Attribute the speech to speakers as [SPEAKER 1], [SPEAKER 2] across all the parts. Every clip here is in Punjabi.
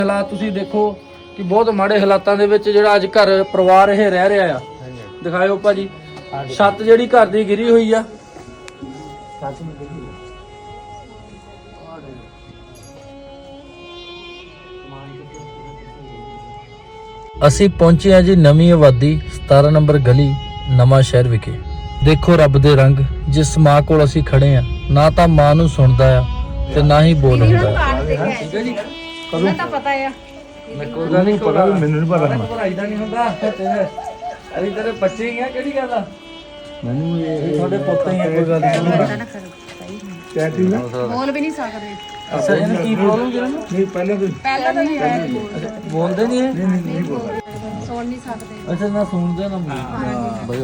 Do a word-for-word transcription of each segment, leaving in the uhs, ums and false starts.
[SPEAKER 1] ਹਾਲਾਤ ਤੁਸੀਂ ਦੇਖੋ ਕਿ ਬਹੁਤ ਮਾੜੇ ਹਾਲਾਤਾਂ ਦੇ ਵਿੱਚ ਜਿਹੜਾ ਅੱਜ ਘਰ ਪਰਿਵਾਰ ਇਹ ਰਹਿ ਰਿਹਾ ਆ। ਦਿਖਾਇਓ ਭਾਜੀ, ਛੱਤ ਜਿਹੜੀ ਘਰ ਦੀ ਗਿਰੀ ਹੋਈ ਆ। ਅਸੀਂ ਪਹੁੰਚੇ ਆ ਜੀ ਨਵੀਂ ਆਬਾਦੀ ਸਤਾਰਾਂ ਨੰਬਰ ਗਲੀ ਨਵਾਂ ਸ਼ਹਿਰ ਵਿਖੇ। ਦੇਖੋ ਰੱਬ ਦੇ ਰੰਗ, ਜਿਸ ਮਾਂ ਕੋਲ ਅਸੀਂ ਖੜੇ ਆ ਨਾ ਤਾਂ ਮਾਂ ਨੂੰ ਸੁਣਦਾ ਆ ਤੇ ਨਾ ਹੀ ਬੋਲ ਹੁੰਦਾ। ਠੀਕ ਹੈ ਜੀ,
[SPEAKER 2] ਉਹਨਾਂ ਤਾਂ ਪਤਾ ਆ
[SPEAKER 1] ਕੋਈ ਗੱਲ ਨਹੀਂ, ਪਤਾ
[SPEAKER 3] ਮੈਨੂੰ ਨਹੀਂ ਪਤਾ
[SPEAKER 1] ਪੜਾਈ ਦਾ ਨਹੀਂ ਹੁੰਦਾ। ਅਰੇ ਤੇਰੇ ਬੱਚੇ ਹੀ ਆ, ਕਿਹੜੀ ਗੱਲ ਆ?
[SPEAKER 3] ਮੈਨੂੰ ਇਹ
[SPEAKER 1] ਤੁਹਾਡੇ ਪੁੱਤ ਹੀ ਆ, ਕੋਈ ਗੱਲ ਨਹੀਂ।
[SPEAKER 3] ਕਹਿਤੀ ਨਾ
[SPEAKER 2] ਬੋਲ ਵੀ ਨਹੀਂ ਸਕਦੇ।
[SPEAKER 1] ਅੱਛਾ, ਇਹਨੂੰ ਕੀ ਪ੍ਰੋਬਲਮ ਜਿਹੜਾ
[SPEAKER 3] ਨਹੀਂ ਪਹਿਲਾਂ ਤੋਂ
[SPEAKER 2] ਪਹਿਲਾਂ ਤਾਂ ਨਹੀਂ ਹੈ,
[SPEAKER 1] ਬੋਲਦੇ ਨਹੀਂ ਇਹ?
[SPEAKER 3] ਨਹੀਂ ਬੋਲਦਾ।
[SPEAKER 2] ਸੁਣ ਨਹੀਂ ਸਕਦੇ।
[SPEAKER 1] ਅੱਛਾ, ਨਾ ਸੁਣਦੇ ਨਾ ਬੋਲਦੇ। ਬਈ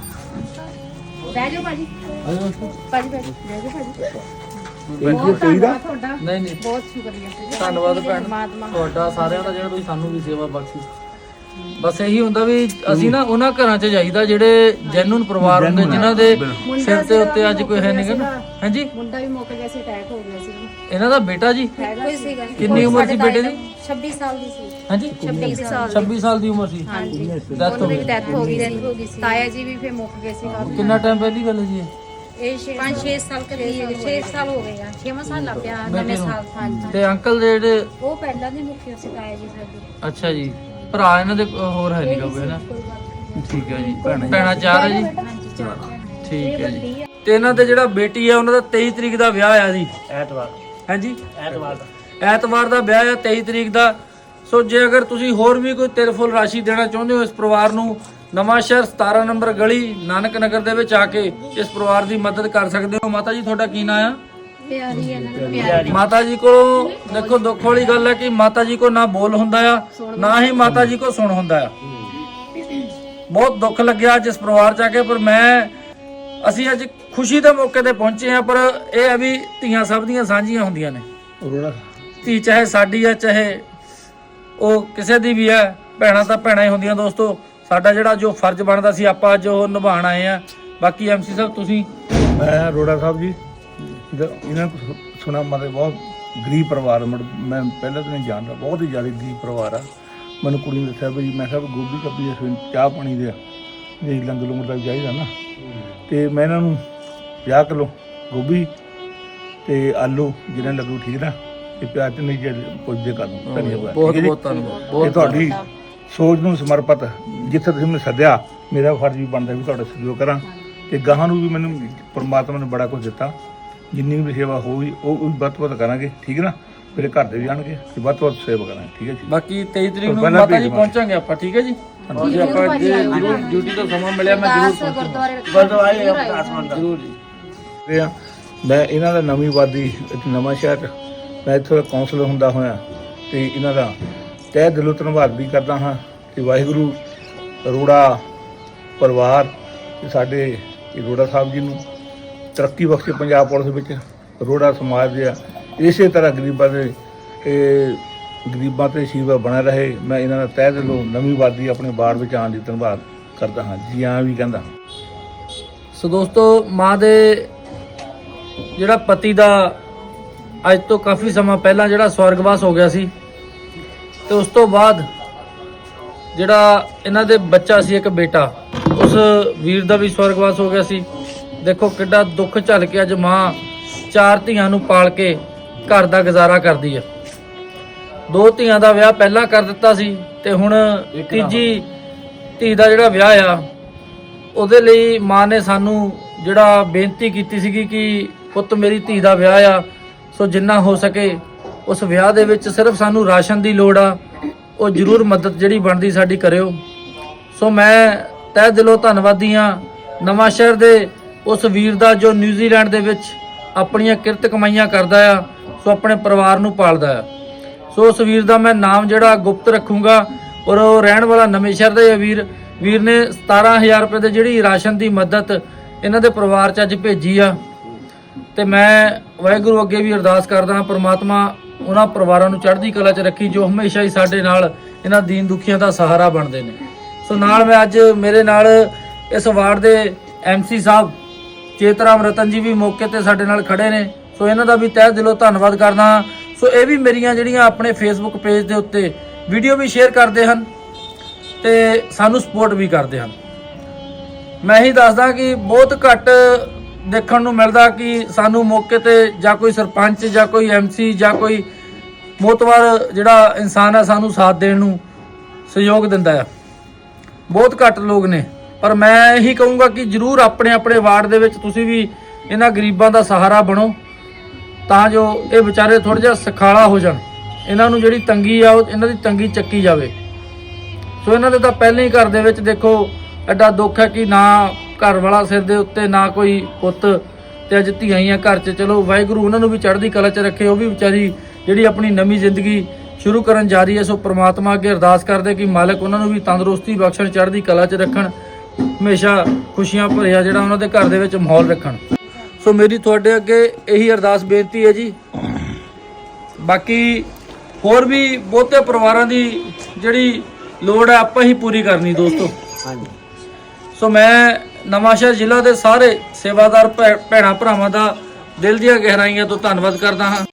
[SPEAKER 2] ਬਹਿ ਜਾਓ ਭਾਜੀ,
[SPEAKER 1] ਆਜੋ।
[SPEAKER 2] ਭਾਜੀ ਬਹਿ ਜਾਓ, ਬਹਿ ਜਾਓ ਭਾਜੀ।
[SPEAKER 3] ਬੈਠੀ
[SPEAKER 2] ਬਹੁਤ
[SPEAKER 3] ਕੋਈ ਦਾ
[SPEAKER 2] ਧੰਨਵਾਦ ਤੁਹਾਡਾ,
[SPEAKER 1] ਨਹੀਂ ਨਹੀਂ,
[SPEAKER 2] ਬਹੁਤ ਸ਼ੁਕਰੀਆ।
[SPEAKER 1] ਧੰਨਵਾਦ ਭੈਣ
[SPEAKER 2] ਪਰਮਾਤਮਾ
[SPEAKER 1] ਤੁਹਾਡਾ ਸਾਰਿਆਂ ਦਾ, ਜਿਹੜਾ ਤੁਸੀਂ ਸਾਨੂੰ ਵੀ ਸੇਵਾ ਬਖਸ਼ੀ। ਬਸ ਇਹੀ ਹੁੰਦਾ ਵੀ ਅਸੀਂ ਨਾ ਉਹਨਾਂ ਘਰਾਂ 'ਚ ਜਾਈਦਾ ਜਿਹੜੇ ਜੈਨੂਨ ਪਰਿਵਾਰ ਹੁੰਦੇ, ਜਿਨ੍ਹਾਂ ਦੇ ਸਿਰ ਤੇ ਉੱਤੇ ਅੱਜ ਕੋਈ ਹੈ ਨਹੀਂ ਗਾ। ਹਾਂਜੀ,
[SPEAKER 2] ਮੁੰਡਾ ਵੀ ਮੁੱਕ ਗਿਆ ਸੀ, ਅਟੈਕ ਹੋ ਗਿਆ ਸੀ
[SPEAKER 1] ਇਹਨਾਂ ਦਾ ਬੇਟਾ ਜੀ
[SPEAKER 2] ਕੋਈ ਸੀਗਾ।
[SPEAKER 1] ਕਿੰਨੀ ਉਮਰ ਸੀ ਬੇਟੇ ਦੀ?
[SPEAKER 2] ਛੱਬੀ ਸਾਲ ਦੀ ਸੀ।
[SPEAKER 1] ਹਾਂਜੀ,
[SPEAKER 2] ਛੱਬੀ ਸਾਲ ਦੀ।
[SPEAKER 1] ਛੱਬੀ ਸਾਲ ਦੀ ਉਮਰ ਸੀ।
[SPEAKER 2] ਹਾਂਜੀ,
[SPEAKER 1] ਡੈਥ ਹੋ
[SPEAKER 2] ਉਹਦੀ
[SPEAKER 1] ਗਈ।
[SPEAKER 2] ਡੈਥ ਹੋ ਗਈ ਸੀ। ਤਾਇਆ ਜੀ ਵੀ ਫੇਰ ਮੁੱਕ ਗਏ ਸੀ ਕਾਫੀ।
[SPEAKER 1] ਕਿੰਨਾ ਟਾਈਮ ਪਹਿਲੀ ਗੱਲ ਹੈ ਜੀ ਇਹ?
[SPEAKER 2] ਇਹ ਪੰਜ ਛੇ ਸਾਲ ਕਰੀ ਛੇ ਸਾਲ ਹੋ ਗਏ ਆ, ਛੇਵਾਂ ਸਾਲ ਲੱਗ ਪਿਆ ਨਵੇਂ ਸਾਲ। ਹਾਂਜੀ,
[SPEAKER 1] ਤੇ ਅੰਕਲ ਦੇ ਜਿਹੜੇ,
[SPEAKER 2] ਉਹ ਪਹਿਲਾਂ ਦੇ ਮੁੱਖੇ ਸੀ ਤਾਇਆ ਜੀ ਸਾਡੇ।
[SPEAKER 1] ਅੱਛਾ ਜੀ, ਭਰਾ ਇਹਨਾਂ ਦੇ ਹੋਰ ਹੈ ਨਹੀਂ ਕੋਈ ਨਾ? ਠੀਕ ਹੈ ਜੀ, ਭੈਣਾਂ ਚਾਰ ਹੈ ਜੀ। ਠੀਕ ਹੈ ਜੀ। ਤੇ ਇਹਨਾਂ ਦੇ ਜਿਹੜਾ ਬੇਟੀ ਆ ਉਹਨਾਂ ਦਾ ਤੇਈ ਤਰੀਕ ਦਾ ਵਿਆਹ ਆ ਜੀ।
[SPEAKER 3] ਐਤਵਾਰ
[SPEAKER 1] ਹਾਂਜੀ,
[SPEAKER 3] ਐਤਵਾਰ ਦਾ
[SPEAKER 1] ਐਤਵਾਰ ਦਾ ਵਿਆਹ ਆ, ਤੇਈ ਤਰੀਕ ਦਾ। ਸੋ ਜੇ ਅਗਰ ਤੁਸੀਂ ਹੋਰ ਵੀ ਕੋਈ ਤਿਰਫੁਲ ਰਾਸ਼ੀ ਦੇਣਾ ਚਾਹੁੰਦੇ ਹੋ ਇਸ ਪਰਿਵਾਰ ਨੂੰ, ਨਵਾਂ ਸ਼ਹਿਰ ਸਤਾਰਾਂ ਨੰਬਰ ਗਲੀ ਨਾਨਕ ਨਗਰ ਦੇ ਵਿੱਚ ਆ ਕੇ ਇਸ ਪਰਿਵਾਰ ਦੀ ਮਦਦ ਕਰ ਸਕਦੇ ਹੋ। ਮਾਤਾ ਜੀ ਤੁਹਾਡਾ ਕੀ ਨਾਮ ਆ?
[SPEAKER 2] ਪਿਆਰੀ ਹੈ ਨਾ, ਪਿਆਰੀ।
[SPEAKER 1] ਮਾਤਾ ਜੀ ਕੋਲ ਦੇਖੋ ਦੁੱਖ ਵਾਲੀ ਗੱਲ ਹੈ ਕਿ ਮਾਤਾ ਜੀ ਕੋ ਨਾ ਬੋਲ ਹੁੰਦਾ ਆ, ਨਾ ਹੀ ਮਾਤਾ ਜੀ ਕੋ ਸੁਣ ਹੁੰਦਾ ਆ। ਬਹੁਤ ਦੁੱਖ ਲੱਗਿਆ ਅੱਜ ਇਸ ਪਰਿਵਾਰ ਚ ਆ ਕੇ। ਪਰ ਮੈਂ ਅਸੀਂ ਅੱਜ ਖੁਸ਼ੀ ਦੇ ਮੌਕੇ ਤੇ ਪਹੁੰਚੇ ਆ, ਪਰ ਇਹ ਹੈ ਵੀ ਧੀਆਂ ਸਭ ਦੀਆਂ ਸਾਂਝੀਆਂ ਹੁੰਦੀਆਂ ਨੇ।
[SPEAKER 3] ਰੋੜਾ
[SPEAKER 1] ਧੀ ਚਾਹੇ ਸਾਡੀ ਆ, ਚਾਹੇ ਉਹ ਕਿਸੇ ਦੀ ਵੀ ਹੈ, ਭੈਣਾਂ ਤਾਂ ਭੈਣਾਂ ਹੀ ਹੁੰਦੀਆਂ। ਦੋਸਤੋ, ਸਾਡਾ ਜਿਹੜਾ ਜੋ ਫਰਜ਼ ਬਣਦਾ ਸੀ ਆਪਾਂ ਅੱਜ ਉਹ ਨਿਭਾਉਣ ਆਏ ਆ। ਬਾਕੀ ਐਮਸੀ ਸਾਹਿਬ ਤੁਸੀਂ।
[SPEAKER 3] ਮੈਂ ਰੋੜਾ ਸਾਹਿਬ ਜੀ, ਇਹਨਾਂ ਨੂੰ ਸੁਣਾ ਮਤਲਬ ਬਹੁਤ ਗਰੀਬ ਪਰਿਵਾਰ। ਮੈਂ ਪਹਿਲਾਂ ਤਾਂ ਨਹੀਂ ਜਾਣਦਾ, ਬਹੁਤ ਹੀ ਜ਼ਿਆਦਾ ਗਰੀਬ ਪਰਿਵਾਰ ਆ। ਮੈਨੂੰ ਕੁੜੀ ਨੇ ਦੱਸਿਆ ਵੀ ਮੈਂ ਕਿਹਾ ਗੋਭੀ ਕੱਪੀ ਦੇ ਚਾਹ ਪਾਣੀ ਦੇ ਜੇ ਲੰਗਰ ਲੰਗਰ ਦਾ ਚਾਹੀਦਾ ਨਾ, ਤੇ ਮੈਂ ਇਹਨਾਂ ਨੂੰ ਪੰਜਾਹ ਕਿਲੋ ਗੋਭੀ ਤੇ ਆਲੂ ਜਿਹਨਾਂ ਲੱਗੂ ਠੀਕ ਨਾ, ਤੇ ਪਿਆਜ਼ ਨਹੀਂ ਜੇ ਪੁੱਜਦੇ ਕਰ ਦੂੰ। ਧੰਨਵਾਦ,
[SPEAKER 1] ਬਹੁਤ ਬਹੁਤ ਧੰਨਵਾਦ।
[SPEAKER 3] ਇਹ
[SPEAKER 1] ਬਹੁਤ
[SPEAKER 3] ਤੁਹਾਡੀ ਸੋਚ ਨੂੰ ਸਮਰਪਿਤ, ਜਿੱਥੇ ਤੁਸੀਂ ਮੈਨੂੰ ਸੱਦਿਆ, ਮੇਰਾ ਫਰਜ਼ ਵੀ ਬਣਦਾ ਵੀ ਤੁਹਾਡਾ ਸਹਿਯੋਗ ਕਰਾਂ। ਤੇ ਗਾਹਾਂ ਨੂੰ ਵੀ ਮੈਨੂੰ ਪਰਮਾਤਮਾ ਨੇ ਬੜਾ ਕੁਝ ਦਿੱਤਾ, ਜਿੰਨੀ ਵੀ ਸੇਵਾ ਹੋਈ ਉਹ ਵੀ ਵੱਧ ਤੋਂ ਵੱਧ ਕਰਾਂਗੇ। ਠੀਕ ਹੈ ਨਾ, ਮੇਰੇ ਘਰ ਦੇ ਵੀ ਆਣਗੇ ਤੇ ਵੱਧ ਤੋਂ ਵੱਧ ਸੇਵਾ ਕਰਾਂਗੇ। ਠੀਕ ਹੈ ਜੀ।
[SPEAKER 1] ਬਾਕੀ ਤੇਈ ਤਰੀਕ ਨੂੰ ਮਾਤਾ ਜੀ ਪਹੁੰਚਾਂਗੇ ਆਪਾਂ। ਠੀਕ ਹੈ ਜੀ, ਜੀ ਆਪਾਂ ਜੇ ਜ਼ਰੂਰ ਡਿਊਟੀ ਤੋਂ ਸਮਾਂ ਮਿਲਿਆ ਮੈਂ ਜ਼ਰੂਰ
[SPEAKER 2] ਗੁਰਦੁਆਰੇ
[SPEAKER 1] ਜ਼ਰੂਰ ਜੀ।
[SPEAKER 3] ਤੇ ਆ, ਮੈਂ ਇਹਨਾਂ ਦਾ ਨਵੀਂ ਆਬਾਦੀ ਨਵਾਂ ਸ਼ਹਿਰ, ਮੈਂ ਇੱਥੋਂ ਦਾ ਕਾਉਂਸਲਰ ਹੁੰਦਾ ਹੋਇਆ ਤੇ ਇਹਨਾਂ ਦਾ ਤਹਿ ਦਿਲੋਂ ਧੰਨਵਾਦ ਵੀ ਕਰਦਾ ਹਾਂ ਕਿ ਵਾਹਿਗੁਰੂ ਅਰੋੜਾ ਪਰਿਵਾਰ ਤੇ ਸਾਡੇ ਅਰੋੜਾ ਸਾਹਿਬ ਜੀ ਨੂੰ ਤਰੱਕੀ ਬਖਸ਼ੇ। ਪੰਜਾਬ ਪੁਲਿਸ ਵਿੱਚ ਅਰੋੜਾ ਸਮਾਜ ਦੇ ਇਸੇ ਤਰ੍ਹਾਂ ਗਰੀਬਾਂ ਦੇ ਇਹ ਗਰੀਬਾਂ ਤੇ ਸੇਵਾ ਬਣਾ ਰਹੇ। ਮੈਂ ਇਹਨਾਂ ਦਾ ਤਹਿ ਦਿਲੋਂ ਨਵੀਂ ਆਬਾਦੀ ਆਪਣੇ ਬਾੜ ਵਿੱਚ ਆਉਣ ਦੀ ਧੰਨਵਾਦ ਕਰਦਾ ਹਾਂ ਜੀ, ਹਾਂ ਵੀ ਕਹਿੰਦਾ।
[SPEAKER 1] ਸੋ ਦੋਸਤੋ, ਮਾਂ ਦੇ ਜਿਹੜਾ ਪਤੀ ਦਾ ਅੱਜ ਤੋਂ ਕਾਫੀ ਸਮਾਂ ਪਹਿਲਾਂ ਜਿਹੜਾ ਸਵਰਗਵਾਸ ਹੋ ਗਿਆ ਸੀ, ਤੇ ਉਸ ਤੋਂ ਬਾਅਦ ਜਿਹੜਾ ਇਹਨਾਂ ਦੇ ਬੱਚਾ ਸੀ ਇੱਕ ਬੇਟਾ, ਉਸ ਵੀਰ ਦਾ ਵੀ ਸਵਰਗਵਾਸ ਹੋ ਗਿਆ ਸੀ। ਦੇਖੋ ਕਿੱਡਾ ਦੁੱਖ ਝੱਲ ਕੇ ਅੱਜ ਮਾਂ ਚਾਰ ਧੀਆਂ ਨੂੰ ਪਾਲ ਕੇ ਘਰ ਦਾ ਗੁਜ਼ਾਰਾ ਕਰਦੀ ਹੈ। ਦੋ ਧੀਆਂ ਦਾ ਵਿਆਹ ਪਹਿਲਾਂ ਕਰ ਦਿੱਤਾ ਸੀ ਤੇ ਹੁਣ ਤੀਜੀ ਧੀ ਦਾ ਜਿਹੜਾ ਵਿਆਹ ਆ, ਉਹਦੇ ਲਈ ਮਾਂ ਨੇ ਸਾਨੂੰ ਜਿਹੜਾ ਬੇਨਤੀ ਕੀਤੀ ਸੀਗੀ ਕਿ ਪੁੱਤ ਮੇਰੀ ਧੀ ਦਾ ਵਿਆਹ ਆ, ਸੋ ਜਿੰਨਾ ਹੋ ਸਕੇ ਉਸ ਵਿਆਹ ਦੇ ਵਿੱਚ ਸਿਰਫ ਸਾਨੂੰ ਰਾਸ਼ਨ ਦੀ ਲੋੜ ਆ, ਉਹ ਜ਼ਰੂਰ ਮਦਦ ਜਿਹੜੀ ਬਣਦੀ ਸਾਡੀ ਕਰਿਓ। ਸੋ ਮੈਂ ਤਹਿ ਦਿਲੋਂ ਧੰਨਵਾਦੀ ਹਾਂ ਨਵਾਂ ਸ਼ਹਿਰ ਦੇ ਉਸ ਵੀਰ ਦਾ ਜੋ ਨਿਊਜ਼ੀਲੈਂਡ ਦੇ ਵਿੱਚ ਆਪਣੀਆਂ ਕਿਰਤ ਕਮਾਈਆਂ ਕਰਦਾ ਆ, ਸੋ ਆਪਣੇ ਪਰਿਵਾਰ ਨੂੰ ਪਾਲਦਾ ਆ। ਸੋ ਉਸ ਵੀਰ ਦਾ ਮੈਂ ਨਾਮ ਜਿਹੜਾ ਗੁਪਤ ਰੱਖੂੰਗਾ, ਔਰ ਉਹ ਰਹਿਣ ਵਾਲਾ ਨਵੇਂ ਸ਼ਹਿਰ ਦਾ ਵੀਰ ਵੀਰ ਨੇ ਸਤਾਰਾਂ ਹਜ਼ਾਰ ਰੁਪਏ ਦੇ ਜਿਹੜੀ ਰਾਸ਼ਨ ਦੀ ਮਦਦ ਇਹਨਾਂ ਦੇ ਪਰਿਵਾਰ 'ਚ ਅੱਜ ਭੇਜੀ ਆ। ਤੇ ਮੈਂ ਵਾਹਿਗੁਰੂ ਅੱਗੇ ਵੀ ਅਰਦਾਸ ਕਰਦਾ ਹਾਂ, ਪ੍ਰਮਾਤਮਾ ਉਹਨਾਂ ਪਰਿਵਾਰਾਂ ਨੂੰ ਚੜ੍ਹਦੀ ਕਲਾ 'ਚ ਰੱਖੀ ਜੋ ਹਮੇਸ਼ਾ ਹੀ ਸਾਡੇ ਨਾਲ ਇਹਨਾਂ ਦੀਨ ਦੁਖੀਆਂ ਦਾ ਸਹਾਰਾ ਬਣਦੇ ਨੇ। ਸੋ ਨਾਲ ਮੈਂ ਅੱਜ ਮੇਰੇ ਨਾਲ ਇਸ ਵਾਰਡ ਦੇ ਐਮਸੀ ਸਾਹਿਬ ਚੇਤਰਾਮ ਰਤਨ ਜੀ ਵੀ ਮੌਕੇ ਤੇ ਸਾਡੇ ਨਾਲ ਖੜੇ ਨੇ। ਸੋ ਇਹਨਾਂ ਦਾ ਵੀ ਤਹਿ ਦਿਲੋਂ ਧੰਨਵਾਦ ਕਰਦਾ ਹਾਂ। ਸੋ ਇਹ ਵੀ ਮੇਰੀਆਂ ਜਿਹੜੀਆਂ ਆਪਣੇ ਫੇਸਬੁੱਕ ਪੇਜ ਦੇ ਉੱਤੇ ਵੀਡੀਓ ਵੀ ਸ਼ੇਅਰ ਕਰਦੇ ਹਨ ਤੇ ਸਾਨੂੰ ਸਪੋਰਟ ਵੀ ਕਰਦੇ ਹਨ। ਮੈਂ ਹੀ ਦੱਸਦਾ ਕਿ ਬਹੁਤ ਘੱਟ ਦੇਖਣ ਨੂੰ ਮਿਲਦਾ ਕਿ ਸਾਨੂੰ ਮੌਕੇ ਤੇ ਜਾਂ ਕੋਈ ਸਰਪੰਚ ਜਾਂ ਕੋਈ ਐਮਸੀ ਜਾਂ ਕੋਈ ਮੋਤਵਾਰ ਜਿਹੜਾ ਇਨਸਾਨ ਹੈ ਸਾਨੂੰ ਸਾਥ ਦੇਣ ਨੂੰ ਸਹਿਯੋਗ ਦਿੰਦਾ ਹੈ। ਬਹੁਤ ਘੱਟ ਲੋਕ ਨੇ, ਪਰ ਮੈਂ ਇਹੀ ਕਹੂੰਗਾ ਕਿ ਜਰੂਰ ਆਪਣੇ ਆਪਣੇ ਵਾਰਡ ਦੇ ਵਿੱਚ ਤੁਸੀਂ ਵੀ ਇਹਨਾਂ ਗਰੀਬਾਂ ਦਾ ਸਹਾਰਾ ਬਣੋ, ਤਾਂ ਜੋ ਇਹ ਵਿਚਾਰੇ ਥੋੜਾ ਜਿਹਾ ਸਖਾਲਾ ਹੋ ਜਾਣ, ਇਹਨਾਂ ਨੂੰ ਜਿਹੜੀ ਤੰਗੀ ਆ ਉਹ ਇਹਨਾਂ ਦੀ ਤੰਗੀ ਚੱਕੀ ਜਾਵੇ। ਸੋ ਇਹਨਾਂ ਦੇ ਤਾਂ ਪਹਿਲਾਂ ਹੀ ਘਰ ਦੇ ਵਿੱਚ ਦੇਖੋ ਐਡਾ ਦੁੱਖ ਹੈ ਕਿ ਨਾ ਘਰ ਵਾਲਾ ਸਿਰ ਦੇ ਉੱਤੇ, ਨਾ ਕੋਈ ਪੁੱਤ, ਤੇ ਅੱਜ ਧੀਆਂ ਹੀ ਆ ਘਰ 'ਚ। ਚਲੋ ਵਾਹਿਗੁਰੂ ਉਹਨਾਂ ਨੂੰ ਵੀ ਚੜ੍ਹਦੀ ਕਲਾ 'ਚ ਰੱਖੇ, ਉਹ ਵੀ ਵਿਚਾਰੀ ਜਿਹੜੀ ਆਪਣੀ ਨਵੀਂ ਜ਼ਿੰਦਗੀ ਸ਼ੁਰੂ ਕਰਨ ਜਾ ਰਹੀ ਹੈ। ਸੋ ਪ੍ਰਮਾਤਮਾ ਅੱਗੇ ਅਰਦਾਸ ਕਰਦੇ ਕਿ ਮਾਲਕ ਉਹਨਾਂ ਨੂੰ ਵੀ ਤੰਦਰੁਸਤੀ ਬਖਸ਼ਣ, ਚੜ੍ਹਦੀ ਕਲਾ 'ਚ ਰੱਖਣ, ਹਮੇਸ਼ਾ ਖੁਸ਼ੀਆਂ ਭਰਿਆ ਜਿਹੜਾ ਉਹਨਾਂ ਦੇ ਘਰ ਦੇ ਵਿੱਚ ਮਾਹੌਲ ਰੱਖਣ। ਸੋ ਮੇਰੀ ਤੁਹਾਡੇ ਅੱਗੇ ਇਹੀ ਅਰਦਾਸ ਬੇਨਤੀ ਹੈ ਜੀ। ਬਾਕੀ ਹੋਰ ਵੀ ਬਹੁਤੇ ਪਰਿਵਾਰਾਂ ਦੀ ਜਿਹੜੀ ਲੋੜ ਹੈ ਆਪਾਂ ਹੀ ਪੂਰੀ ਕਰਨੀ ਦੋਸਤੋ। ਸੋ ਮੈਂ ਨਵਾਂਸ਼ਹਿਰ ਜ਼ਿਲ੍ਹਾ ਦੇ ਸਾਰੇ ਸੇਵਾਦਾਰ ਭੈਣਾਂ ਭਰਾਵਾਂ ਦਾ ਦਿਲ ਦੀਆਂ ਗਹਿਰਾਈਆਂ ਤੋਂ ਧੰਨਵਾਦ ਕਰਦਾ ਹਾਂ।